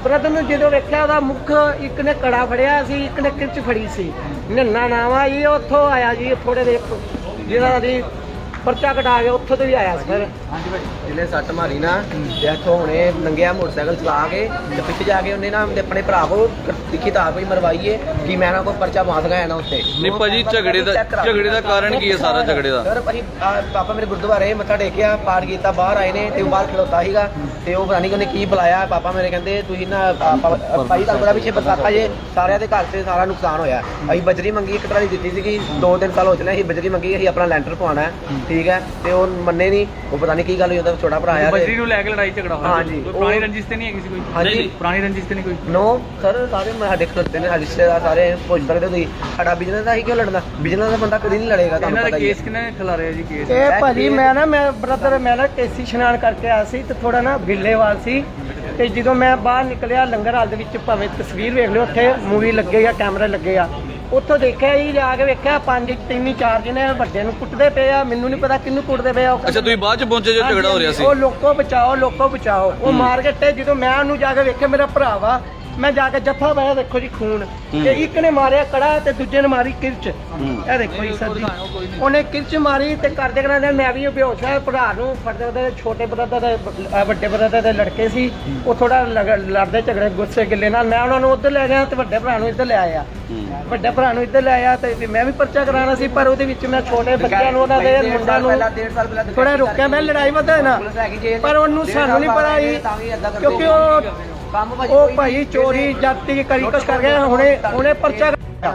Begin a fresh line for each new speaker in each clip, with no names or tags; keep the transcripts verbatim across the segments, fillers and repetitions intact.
Brother ਨੂੰ ਜਦੋਂ ਵੇਖਿਆ ਉਹਦਾ ਮੁੱਖ ਇੱਕ ਨੇ ਕੜਾ ਫੜਿਆ ਸੀ, ਇੱਕ ਨੇ ਕਿਰਚ ਫੜੀ ਸੀ। ਨੰਨਾ ਨਾਮ ਆ ਜੀ, ਉੱਥੋਂ ਆਇਆ ਜੀ ਥੋੜੇ ਦੇ ਜਿਹੜਾ ਦੀ ਪਰਚਾ ਕਟਾ ਕੇ ਉੱਥੋਂ ਤੋਂ ਵੀ ਆਇਆ ਸੀ ਫਿਰ।
ਹਾਂਜੀ ਭਾਈ ਜਿਹਨੇ ਸੱਟ ਮਾਰੀ ਨਾ ਤੇ ਇੱਥੋਂ ਹੁਣੇ ਨੰਗਿਆ ਮੋਟਰਸਾਈਕਲ ਚਲਾ ਕੇ ਤੇ ਪਿੱਛੇ ਜਾ ਕੇ ਉਹਨੇ ਨਾ ਆਪਣੇ ਭਰਾ ਕੋਲ ਲਿਖੀ ਤਾਂ ਕੋਈ ਮਰਵਾਈਏ ਕਿ ਮੈਂ ਨਾ ਕੋਈ ਪਰਚਾ ਬਾਤ ਗਿਆ ਨਾ ਉੱਤੇ।
ਨਹੀਂ ਭਾਜੀ ਝਗੜੇ ਦਾ ਝਗੜੇ ਦਾ ਕਾਰਨ ਕੀ ਹੈ ਸਾਰਾ ਝਗੜੇ ਦਾ?
ਸਰ ਭਾਜੀ ਪਾਪਾ ਮੇਰੇ ਗੁਰਦੁਆਰੇ ਮੱਥਾ ਟੇਕਿਆ, ਪਾਠ ਕੀਤਾ, ਬਾਹਰ ਆਏ ਨੇ ਤੇ ਉਹ ਬਾਹਰ ਖਲੋਤਾ ਸੀਗਾ ਤੇ ਉਹ ਪਤਾ ਨਹੀਂ ਉਹਨੇ ਕੀ ਬੁਲਾਇਆ। ਪਾਪਾ ਮੇਰੇ ਕਹਿੰਦੇ ਤੁਸੀਂ ਨਾ ਭਾਈ ਤੁਹਾਨੂੰ ਬੜਾ ਪਿੱਛੇ ਬਰਸਾਤਾ ਜੇ ਸਾਰਿਆਂ ਦੇ ਘਰ ਤੇ ਸਾਰਾ ਨੁਕਸਾਨ ਹੋਇਆ। ਅਸੀਂ ਬਜਰੀ ਮੰਗੀ ਇੱਕ ਟਰਾਲੀ ਦਿੱਤੀ ਸੀਗੀ, ਦੋ ਤਿੰਨ ਸਾਲ ਹੋ ਚਲੇ ਅਸੀਂ ਬਜਰੀ ਮੰਗੀ, ਅਸੀਂ ਆਪਣਾ ਲੈਂਟਰ ਪਵਾਉਣਾ ਠੀਕ ਹੈ ਤੇ ਉਹ ਮੰਨੇ ਨਹੀਂ। ਉਹ ਪਤਾ ਨਹੀਂ ਕੀ ਗੱਲ ਹੋਈ, ਉਹਦਾ ਛੋਟਾ ਭਰਾ ਆ
ਬਜਰੀ ਨੂੰ ਲੈ ਕੇ ਲੜਾਈ ਝਗੜਾ ਹੋਇਆ।
ਹਾਂਜੀ
ਕੋਈ ਪੁਰਾਣੀ ਰੰਜਿਸ਼ ਤੇ ਨਹੀਂ ਹੈਗੀ ਸੀ ਕੋਈ?
ਹਾਂਜੀ
ਪੁਰਾਣੀ ਰੰਜਿਸ਼ ਤੇ ਨਹੀਂ ਕੋਈ?
ਨੋ ਸਰ ਸਾਰੇ ਸਾਡੇ ਖਲੋਤੇ ਨੇ ਰਿਸ਼ਤੇਦਾਰ ਸਾਰੇ ਪੁੱਛ ਸਕਦੇ ਤੁਸੀਂ ਸਾਡਾ ਬਿਜ਼ਨਸ ਦਾ ਹੀ ਕਿਉਂ ਲੜਨਾ? ਬਿਜ਼ਨਸ ਦਾ ਬੰਦਾ ਕਦੀ ਨਹੀਂ ਲੜੇਗਾ। ਤੁਹਾਨੂੰ
ਇਹਨਾਂ
ਪਤਾ
ਦਾ
ਹੀ ਹੈ।
ਕੇਸ ਕਿਹਨੇ ਖਿਲਾਰਿਆ ਜੀ? ਕੇਸ
ਇਹ ਭਾਜੀ ਮੈਂ ਨਾ ਮੈਂ ਬ੍ਰਦਰ ਮੈਂ ਨਾ ਟੇਸੀ ਇਸ਼ਨਾਨ ਕਰਕੇ ਆਇਆ ਸੀ ਤੇ ਥੋੜਾ ਨਾ ਬਿੱਲੇਵਾਲ ਸੀ ਤੇ ਜਦੋਂ ਮੈਂ ਬਾਹਰ ਨਿਕਲਿਆ ਲੰਗਰ ਹਾਲ ਦੇ ਵਿੱਚ, ਭਾਵੇਂ ਤਸਵੀਰ ਵੇਖ ਲਿਓ, ਉੱਥੇ ਮੂਵੀ ਲੱਗੇ ਆ, ਕੈਮਰੇ ਲੱਗੇ ਆ, ਉੱਥੋਂ ਦੇਖਿਆ ਜੀ ਜਾ ਕੇ ਵੇਖਿਆ ਪੰਜ ਤਿੰਨ ਚਾਰ ਜਣੇ ਵੱਡੇ ਨੂੰ ਕੁੱਟਦੇ ਪਏ ਆ। ਮੈਨੂੰ ਨਹੀਂ ਪਤਾ ਕਿਹਨੂੰ ਕੁੱਟਦੇ ਪਏ ਆ।
ਅੱਛਾ ਤੁਸੀਂ ਬਾਅਦ ਚ ਪਹੁੰਚੇ ਜੋ ਝਗੜਾ ਹੋ ਰਿਹਾ ਸੀ?
ਉਹ ਲੋਕੋ ਬਚਾਓ ਲੋਕੋ ਬਚਾਓ ਉਹ ਮਾਰ ਕੇ ਟੇ ਜਦੋਂ ਮੈਂ ਉਹਨੂੰ ਜਾ ਕੇ ਵੇਖਿਆ ਮੇਰਾ ਭਰਾ ਵਾ, ਮੈਂ ਜਾ ਕੇ ਜੱਫਾ ਪਾਇਆ, ਦੇਖੋ ਜੀ ਖੂਨ ਤੇ ਇੱਕ ਨੇ ਮਾਰਿਆ ਕੜਾ ਤੇ ਦੂਜੇ ਨੇ ਮਾਰੀ ਕਿਰਚ। ਇਹ ਦੇਖੋ ਜੀ ਸਰ ਜੀ ਉਹਨੇ ਕਿਰਚ ਮਾਰੀ ਤੇ ਕਰਦੇ ਕਰਦੇ ਮੈਂ ਵੀ ਬੇਹੋਸ਼ ਹੋਇਆ। ਭਰਾ ਨੂੰ ਫੜਦੇ ਉਹਦੇ ਛੋਟੇ ਬ੍ਰਦਰ ਦੇ ਵੱਡੇ ਬ੍ਰਦਰ ਦੇ ਲੜਕੇ ਸੀ, ਉਹ ਥੋੜਾ ਲੜਦੇ ਝਗੜੇ ਗੁੱਸੇ ਗਿੱਲੇ ਨਾਲ। ਮੈਂ ਉਹਨਾਂ ਨੂੰ ਉੱਧਰ ਲੈ ਗਿਆ ਤੇ ਵੱਡੇ ਭਰਾ ਨੂੰ ਇੱਧਰ ਲੈ ਆਇਆ। ਵੱਡੇ ਭਰਾ ਨੂੰ ਇੱਧਰ ਲੈ ਆਇਆ ਤੇ ਮੈਂ ਵੀ ਪਰਚਾ ਕਰਾਉਣਾ ਸੀ, ਪਰ ਉਹਦੇ ਵਿੱਚ ਮੈਂ ਛੋਟੇ ਬੱਚਿਆਂ ਨੂੰ ਉਹਨਾਂ ਦੇ ਮੁੰਡਿਆਂ ਨੂੰ ਥੋੜਾ ਰੋਕਿਆ। ਮੈਂ ਲੜਾਈ ਵਧਾ ਨਾ, ਪਰ ਉਹਨੂੰ ਸਾਨੂੰ ਨਹੀਂ ਪਤਾ ਸੀ ਕਿਉਂਕਿ ਉਹ ਉਹ ਭਾਈ ਚੋਰੀ ਜਾਤੀ ਕਰੀ ਕੁਛ ਕਰ ਗਿਆ। ਹੁਣੇ ਹੁਣੇ ਪਰਚਾ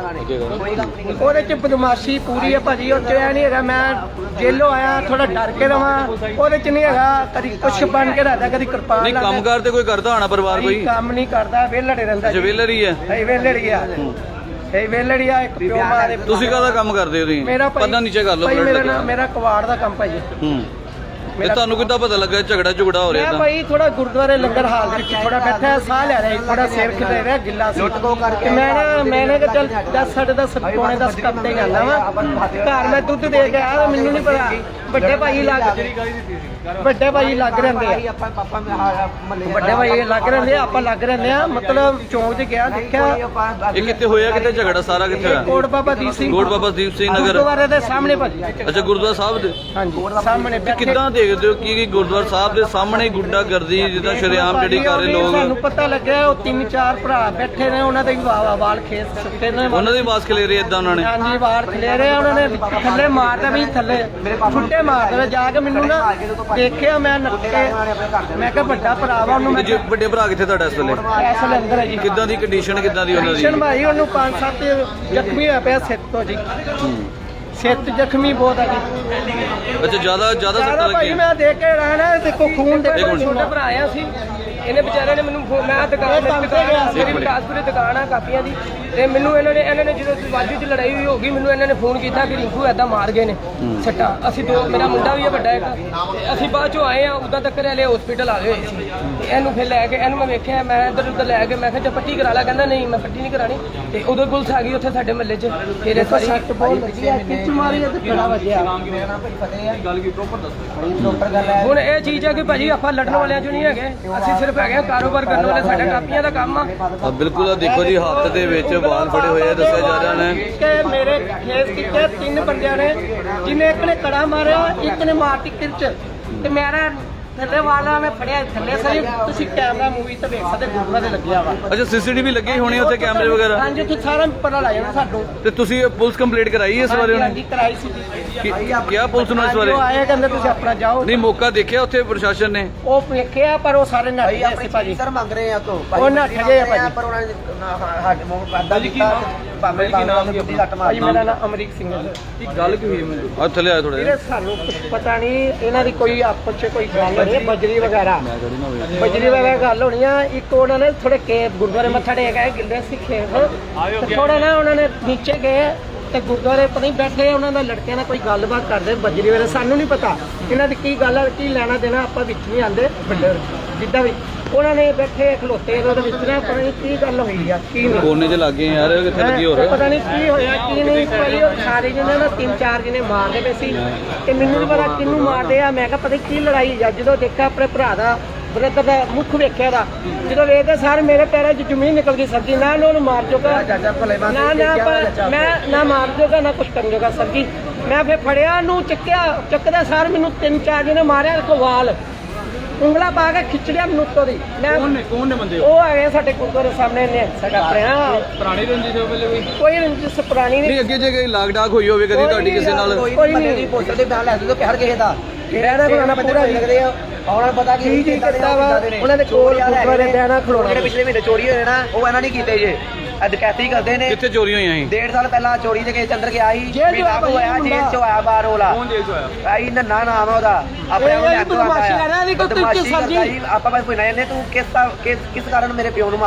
ਉਹਦੇ ਚ ਬਦਮਾਸ਼ੀ ਪੂਰੀ ਹੈ ਭਾਜੀ। ਉਹ ਚ ਇਹ ਨਹੀਂ ਹੈਗਾ ਮੈਂ ਜੇਲੋਂ ਆਇਆ ਥੋੜਾ ਡਰ ਕੇ ਰਵਾਂ, ਉਹਦੇ ਚ ਨਹੀਂ ਹੈਗਾ ਕਦੀ ਕੁਛ ਬਣ ਕੇ ਰਹਿੰਦਾ, ਕਦੀ ਕਿਰਪਾਨ।
ਨਹੀਂ ਕੰਮਕਾਰ ਤੇ ਕੋਈ ਕਰਦਾ ਹੋਣਾ ਪਰਿਵਾਰ ਕੋਈ?
ਕੰਮ ਨਹੀਂ ਕਰਦਾ, ਵਿਹਲੜੇ ਰਹਿੰਦਾ।
ਜਵੇਲਰ ਹੀ ਹੈ?
ਇਹ ਵਿਹਲੜੀ ਆ, ਇਹ ਵਿਹਲੜੀ ਆ। ਇੱਕ ਪਿਓ ਮਾਂ ਦੇ।
ਤੁਸੀਂ ਕਾਹਦਾ ਕੰਮ ਕਰਦੇ ਹੋ? ਤੁਸੀਂ
ਮੇਰਾ
ਪਤਾ ਨੀਚੇ ਕਰ ਲਓ।
ਮੇਰਾ ਮੇਰਾ ਕਵਾੜ ਦਾ ਕੰਮ ਭਾਜੀ।
ਹੂੰ ਤੇ ਤੁਹਾਨੂੰ ਕਿੱਦਾਂ ਪਤਾ ਲੱਗਾ ਝਗੜਾ ਝੁਗੜਾ ਹੋ ਰਿਹਾ?
ਮੈਂ ਭਾਈ ਥੋੜਾ ਗੁਰਦੁਆਰੇ ਲੰਗਰ ਹਾਲ ਦੇ ਵਿੱਚ ਥੋੜਾ ਬੈਠਾ, ਸਾਹ ਲੈ ਰਿਹਾ, ਥੋੜਾ ਸਿਰ ਖਿਲੇ ਰਿਹਾ, ਗਿੱਲਾ ਸੀ ਕਰਕੇ। ਮੈਂ ਨਾ ਮੈਨੇ ਕਿ ਚੱਲ ਦਸ ਸਾਢੇ ਦਸ ਪੌਣੇ ਦਸ ਕੱਪੜੇ ਜਾਂਦਾ ਵਾ ਘਰ, ਮੈਂ ਦੁੱਧ ਦੇ ਕੇ ਆਇਆ। ਮੈਨੂੰ ਨਹੀਂ ਪਤਾ ਵੱਡੇ ਭਾਈ ਲੱਗ ਵੱਡੇ ਭਾਈ ਲੱਗ ਰਹਿੰਦੇ ਆ, ਵੱਡੇ ਭਾਈ ਲੱਗ ਰਹਿੰਦੇ ਆ, ਆਪਾਂ ਲੱਗ ਰਹਿੰਦੇ ਆ। ਮਤਲਬ ਚੌਂਕ 'ਚ ਗਿਆ ਦੇਖਿਆ।
ਇਹ ਕਿੱਥੇ ਹੋਇਆ? ਕਿੱਥੇ ਝਗੜਾ ਸਾਰਾ ਕਿੱਥੇ ਹੋਇਆ?
ਕੋਟ ਬਾਬਾ ਦੀਪ ਸਿੰਘ
ਕੋਟ ਬਾਬਾ ਦੀਪ ਸਿੰਘ ਨਗਰ
ਗੁਰਦੁਆਰੇ ਦੇ ਸਾਹਮਣੇ ਭਾਜੀ।
ਅੱਛਾ ਗੁਰਦੁਆਰਾ ਸਾਹਿਬ ਦੇ?
ਹਾਂਜੀ ਸਾਹਮਣੇ।
ਕਿੱਦਾਂ ਦੇਖਦੇ ਹੋ ਕਿ ਗੁਰਦੁਆਰਾ ਸਾਹਿਬ ਦੇ ਸਾਹਮਣੇ ਗੁੰਡਾ ਗਰਦੀ ਜਿੱਦਾਂ ਸ਼ਰੇਆਮ ਜਿਹੜੀ ਕਰ ਰਹੇ ਲੋਕ?
ਸਾਨੂੰ ਪਤਾ ਲੱਗਿਆ ਉਹ ਤਿੰਨ ਚਾਰ ਭਰਾ ਬੈਠੇ ਨੇ, ਉਹਨਾਂ ਦੇ ਵੀ ਵਾਲ ਖੇਸ ਸੁੱਤੇ ਨੇ,
ਉਹਨਾਂ ਦੀ ਬਾਸ ਖਲੇ ਰਹੀ ਇਦਾਂ ਉਹਨਾਂ ਨੇ?
ਹਾਂਜੀ ਵਾਲ ਖਲੇ ਰਹੇ ਉਹਨਾਂ ਨੇ, ਥੱਲੇ ਮਾਰਦਾ ਵੀ ਥੱਲੇ ਛੁੱਟੇ ਮਾਰਦੇ ਜਾ ਕੇ। ਮੈਨੂੰ ਨਾ ਦੇਖਿਆ ਮੈਂ ਨੱਕੇ, ਮੈਂ ਕਿਹਾ ਵੱਡਾ ਭਰਾ ਵਾ ਉਹਨੂੰ।
ਜੇ ਵੱਡੇ ਭਰਾ ਕਿੱਥੇ ਤੁਹਾਡਾ ਇਸ ਵੇਲੇ?
ਇਸ ਵੇਲੇ ਅੰਦਰ ਹੈ ਜੀ।
ਕਿੱਦਾਂ ਦੀ ਕੰਡੀਸ਼ਨ ਕਿੱਦਾਂ ਦੀ ਉਹਨਾਂ ਦੀ?
ਕੰਡੀਸ਼ਨ ਭਾਈ ਉਹਨੂੰ ਪੰਜ ਸੱਤ ਜ਼ਖਮੀ ਹੋਇਆ ਪਿਆ ਸਿਰ ਤੋਂ ਜੀ, ਸਿਰ ਜ਼ਖਮੀ ਬਹੁਤ ਹੈ ਜੀ।
ਅੱਛਾ ਜ਼ਿਆਦਾ ਜ਼ਿਆਦਾ ਸੱਟ
ਭਾਈ
ਲੱਗੀ?
ਮੈਂ ਦੇਖ ਕੇ ਰਹਿਣਾ, ਦੇਖੋ ਖੂਨ ਦੇਖੋ। ਛੋਟਾ ਭਰਾ ਆਇਆ ਸੀ, ਇਹਨੇ ਵਿਚਾਰੇ ਨੇ ਮੈਨੂੰ ਮੈਂ ਦੁਕਾਨ ਮੇਰੀ ਵਿਕਾਸਪੁਰੇ ਦੁਕਾਨ ਆ ਕਾਪੀਆਂ ਦੀ, ਤੇ ਮੈਨੂੰ ਇਹਨਾਂ ਨੇ ਇਹਨਾਂ ਨੇ ਜਦੋਂ ਵਾਜੂ 'ਚ ਲੜਾਈ ਹੋਈ ਹੋ ਗਈ, ਮੈਨੂੰ ਇਹਨਾਂ ਨੇ ਫੋਨ ਕੀਤਾ ਕਿ ਰਿੰਕੂ ਏਦਾਂ ਮਾਰ ਗਏ ਨੇ ਸੱਟਾਂ। ਅਸੀਂ ਦੋ ਮੇਰਾ ਮੁੰਡਾ ਵੀ ਹੈ ਵੱਡਾ ਇੱਕ, ਅਸੀਂ ਬਾਅਦ ਚੋਂ ਆਏ ਆ, ਉਦਾਂ ਤੱਕ ਹਲੇ ਹਸਪੀਟਲ ਆ ਗਏ ਹੋਏ ਸੀ। ਤੇ ਇਹਨੂੰ ਫਿਰ ਲੈ ਕੇ ਇਹਨੂੰ ਮੈਂ ਵੇਖਿਆ, ਮੈਂ ਇੱਧਰ ਉੱਧਰ ਲੈ ਕੇ ਮੈਂ ਕਿਹਾ ਜੇ ਪੱਟੀ ਕਰਾ ਲਾ, ਕਹਿੰਦਾ ਨਹੀਂ ਮੈਂ ਪੱਟੀ ਨਹੀਂ ਕਰਾਣੀ। ਤੇ ਉਦੋਂ ਪੁਲਿਸ ਆ ਗਈ ਉੱਥੇ ਸਾਡੇ ਮਹੱਲੇ 'ਚ। ਫਿਰ ਇਸ ਵਾਰੀ ਸੱਟ ਬਹੁਤ ਲੱਗੀ ਆ, ਕਿੱਚ ਮਾਰੀ ਤੇ ਕਿਹੜਾ ਵੱਜਿਆ। ਹੁਣ ਇਹ ਚੀਜ਼ ਹੈ ਕਿ ਭਾਜੀ ਆਪਾਂ ਲੜਨ ਵਾਲਿਆਂ 'ਚੋਂ ਨਹੀਂ ਹੈਗੇ, ਅਸੀਂ ਸਿਰਫ ਹੈਗੇ ਕਾਰੋਬਾਰ ਕਰਨ ਵਾਲੇ, ਸਾਡਾ ਕਾਪੀਆਂ ਦਾ ਕੰਮ ਆ।
ਬਿਲਕੁਲ। ਦੇਖੋ ਜੀ ਹੱਥ ਦੇ ਵਿੱਚ ਵਾਲ ਫੜੇ ਹੋਏ ਆ, ਦੱਸਿਆ ਜਾ ਰਿਹਾ ਨੇ
ਕਿ ਮੇਰੇ ਖੇਸ ਕੀਤੇ ਤਿੰਨ ਬੰਦਿਆਂ ਨੇ, ਜਿਹਨੇ ਇੱਕ ਨੇ ਕੜਾ ਮਾਰਿਆ, ਇੱਕ ਨੇ ਮਾਰਤੀ ਕਿਰਚ ਤੇ ਮੇਰਾ ਥੱਲੇ ਵਾਲਾ ਮੈਂ ਫੜਿਆ ਥੱਲੇ। ਸਹੀ ਤੁਸੀਂ ਕੈਮਰਾ ਮੂਵੀ ਤੇ ਵੇਖ ਸਕਦੇ, ਗੁਰਦੁਆਰੇ ਲੱਗਿਆ ਵਾ।
ਅੱਛਾ ਸੀਸੀਟੀਵੀ ਲੱਗੀ ਹੋਣੀ ਉੱਥੇ ਕੈਮਰੇ ਵਗੈਰਾ?
ਹਾਂਜੀ ਉੱਥੇ ਸਾਰਾ ਪਤਾ ਲੱਗ ਜਾਣਾ ਸਾਨੂੰ।
ਤੇ ਤੁਸੀਂ ਪੁਲਿਸ ਕੰਪਲੀਟ ਕਰਾਈ ਇਸ ਬਾਰੇ?
ਹਾਂਜੀ ਕਰਾਈ ਸੀ।
ਕਿਹਾ ਪੁਲਿਸ ਨੂੰ ਇਸ ਬਾਰੇ?
ਉਹ ਆਏ ਕਹਿੰਦੇ ਤੁਸੀਂ ਆਪਣਾ ਜਾਓ।
ਨਹੀਂ ਮੌਕਾ ਦੇਖਿਆ ਉੱਥੇ ਪ੍ਰਸ਼ਾਸਨ ਨੇ?
ਉਹ ਵੇਖਿਆ ਪਰ ਉਹ ਸਾਰੇ ਨੱਠ ਗਏ ਸੀ ਭਾਜੀ।
ਸਰ ਮੰਗ ਰਹੇ ਆ ਤੋਂ
ਉਹ ਨੱਠ ਗਏ ਆ ਭਾਜੀ।
ਪਰ ਉਹਨਾਂ ਨੇ ਸਾਡੇ ਮੂੰਹ ਪਾਦਾ ਦਿੱਤਾ ਭਾਵੇਂ ਬਾਂਗਲਾ ਦੀ ਲੱਟ ਮਾਰੀ।
ਮੇਰਾ ਨਾਮ ਅਮਰੀਕ ਸਿੰਘ ਹੈ।
ਕੀ ਗੱਲ ਕੀ ਹੋਈ ਮੈਨੂੰ?
ਆ ਥੱਲੇ ਆ ਥੋੜਾ
ਵੀਰੇ ਸਾਨੂੰ ਕੁਛ ਪਤਾ ਨਹੀਂ, ਇਹਨਾਂ ਦੀ ਕੋਈ ਆਪਸ 'ਚ ਕੋਈ ਗੱਲ ਨਹੀਂ, ਬਜਰੀ ਵਗੈਰਾ ਬਜਰੀ ਵਗੈਰਾ ਗੱਲ ਹੋਣੀ ਆ। ਇੱਕ ਉਹਨਾਂ ਨੇ ਥੋੜੇ ਕੇ ਗੁਰਦੁਆਰੇ ਮੱਥਾ ਟੇਕ ਆਏ, ਗਿੱਲੇ ਸੀ ਖੇਤ, ਥੋੜਾ ਨਾ ਉਹਨਾਂ ਨੇ ਨੀਚੇ ਗਏ ਤੇ ਗੁਰਦੁਆਰੇ ਪਤਾ ਨਹੀਂ ਬੈਠੇ ਉਹਨਾਂ ਦਾ ਲੜਕਿਆਂ ਨਾਲ ਕੋਈ ਗੱਲਬਾਤ ਕਰਦੇ ਬਜਰੀ ਵੇਲੇ। ਸਾਨੂੰ ਨਹੀਂ ਪਤਾ ਇਹਨਾਂ ਦੀ ਕੀ ਗੱਲ ਹੈ, ਕੀ ਲੈਣਾ ਦੇਣਾ, ਆਪਾਂ ਵਿੱਚ ਨਹੀਂ ਆਉਂਦੇ ਵੱਡੇ ਜਿੱਦਾਂ ਵੀ। ਉਹਨਾਂ ਨੇ ਬੈਠੇ ਖਲੋਤੇ ਉਹਦੇ ਵਿੱਚ ਨਾ ਪਤਾ ਨਹੀਂ ਕੀ ਗੱਲ ਹੋਈ ਆ ਕੀ ਨਹੀਂ।
ਕੋਨੇ 'ਚ ਲੱਗੇ ਯਾਰ, ਕਿੱਥੇ ਲੱਗੀ ਹੋਰ
ਪਤਾ ਨਹੀਂ ਕੀ ਹੋਇਆ ਕੀ ਨਹੀਂ। ਭਾਈ ਉਹ ਸਾਰੇ ਜਿਹਨੇ ਨਾ ਤਿੰਨ ਚਾਰ ਜਿਹਨੇ ਮਾਰਦੇ ਪਏ ਸੀ ਤੇ ਮੈਨੂੰ ਨਹੀਂ ਪਤਾ ਕਿਹਨੂੰ ਮਾਰਦੇ ਆ। ਮੈਂ ਕਿਹਾ ਪਤਾ ਕੀ ਲੜਾਈ ਆ। ਜਦੋਂ ਦੇਖਿਆ ਆਪਣੇ ਭਰਾ ਦਾ ਬ੍ਰਦਰ ਦਾ ਮੁੱਖ ਵੇਖਿਆ ਦਾ ਜਦੋਂ ਵੇਖਦੇ ਸਾਰ ਮੇਰੇ ਪੈਰਾਂ 'ਚ ਜ਼ਮੀਨ ਨਿਕਲ ਗਈ ਸਰ ਜੀ ਨਾ ਉਹਨੂੰ ਮਾਰ ਚੁੱਕਾ
ਚਾਚਾ ਭਲੇ ਬੰਦੇ
ਨਾ ਨਾ ਪਰ ਮੈਂ ਨਾ ਮਾਰ ਜੋਗਾ ਨਾ ਕੁਛ ਕਰਨ ਜੋਗਾ ਸਰ ਜੀ ਮੈਂ ਫਿਰ ਫੜਿਆ ਨੂੰ ਚੱਕਿਆ ਚੱਕਦਾ ਸਾਰ ਮੈਨੂੰ ਤਿੰਨ ਚਾਰ ਜਣੇ ਮਾਰਿਆ ਕੋਵਾਲ ਉਂਗਲਾ ਪਾ ਕੇ ਖਿੱਚੜਿਆ ਮੈਨੂੰ ਉੱਤੋਂ ਦੀ ਮੈਂ
ਕੌਣ ਨੇ ਕੌਣ ਨੇ ਬੰਦੇ
ਉਹ ਆਏ ਸਾਡੇ ਗੁਰਦੁਆਰੇ ਸਾਹਮਣੇ ਨੇ ਸਾਡਾ ਆਪਣਿਆ
ਪੁਰਾਣੀ ਰੰਜਿਸ਼ ਹੋ ਪਹਿਲੇ ਕੋਈ
ਕੋਈ ਰੰਜਿਸ਼ ਪੁਰਾਣੀ
ਨਹੀਂ
ਨਹੀਂ
ਅੱਗੇ ਜੇ ਕੋਈ ਲਾਗ ਡਾਕ ਹੋਈ ਹੋਵੇ ਕਦੀ ਤੁਹਾਡੀ ਕਿਸੇ ਨਾਲ
ਕੋਈ
ਕੋਈ
ਬੰਦੇ
ਨਹੀਂ।
ਦੀ ਪੋਸਟਰ ਦੇ ਬਿਆਨ ਲੈ ਦੋ ਪਿਆਰ ਕਿਸੇ ਦਾ
ਬਿਆਨਾ ਖਲੋਣਾ ਪੂਰਾ ਜੀ।
ਲੱਗਦੇ ਆ ਉਹਨਾਂ ਨੂੰ ਪਤਾ
ਕੀ
ਕਿ
ਕੀ ਕੀਤਾ ਵਾ ਉਹਨਾਂ ਦੇ ਕੋਲ ਗੁਰਦੁਆਰੇ ਬਿਆਨਾ ਖਲੋਣਾ
ਜਿਹੜੇ ਪਿਛਲੇ ਮਹੀਨੇ ਚੋਰੀ ਹੋਏ ਨਾ ਉਹ ਇਹਨਾਂ ਨੇ ਕੀਤੇ ਜੇ ਅਧਿਕਾਰੀ ਕਰਦੇ ਨੇ
ਕਿੱਥੇ ਚੋਰੀ ਹੋਈਆਂ ਸੀ
ਡੇਢ ਸਾਲ ਪਹਿਲਾਂ ਚੋਰੀ ਦੇ ਕੇਸ ਅੰਦਰ ਗਿਆ ਸੀ
ਜੇਲ੍ਹ ਚ
ਮਹੀਨਾ ਕੁ ਹੋਇਆ
ਹੋਇਆ
ਜੇਲ੍ਹ ਚ ਹੋਇਆ ਬਾਹਰ ਉਹਲਾ
ਕੌਣ ਜੇਲ੍ਹ ਚ ਹੋਇਆ
ਆਈ ਨੰਨਾ ਨਾਮ ਆ ਉਹਦਾ ਆਪਣੇ
ਇਹ
ਆਪ ਨੂੰ
ਬਦਮਾਸ਼ੀ ਕਰ ਰਿਹਾ, ਇਹਦੀ ਕੋਈ
ਬਦਮਾਸ਼ੀ
ਤਰੀਕੇ ਸਬਜ਼ੀ।
ਕਰਦਾ ਸੀ। ਆਪਾਂ ਬਸ ਪੁੱਛਣਾ ਇਹਨੇ ਤੂੰ ਕਿਸ ਕਿਸ ਕਿਸ ਕਾਰਨ ਮੇਰੇ ਪਿਓ ਨੂੰ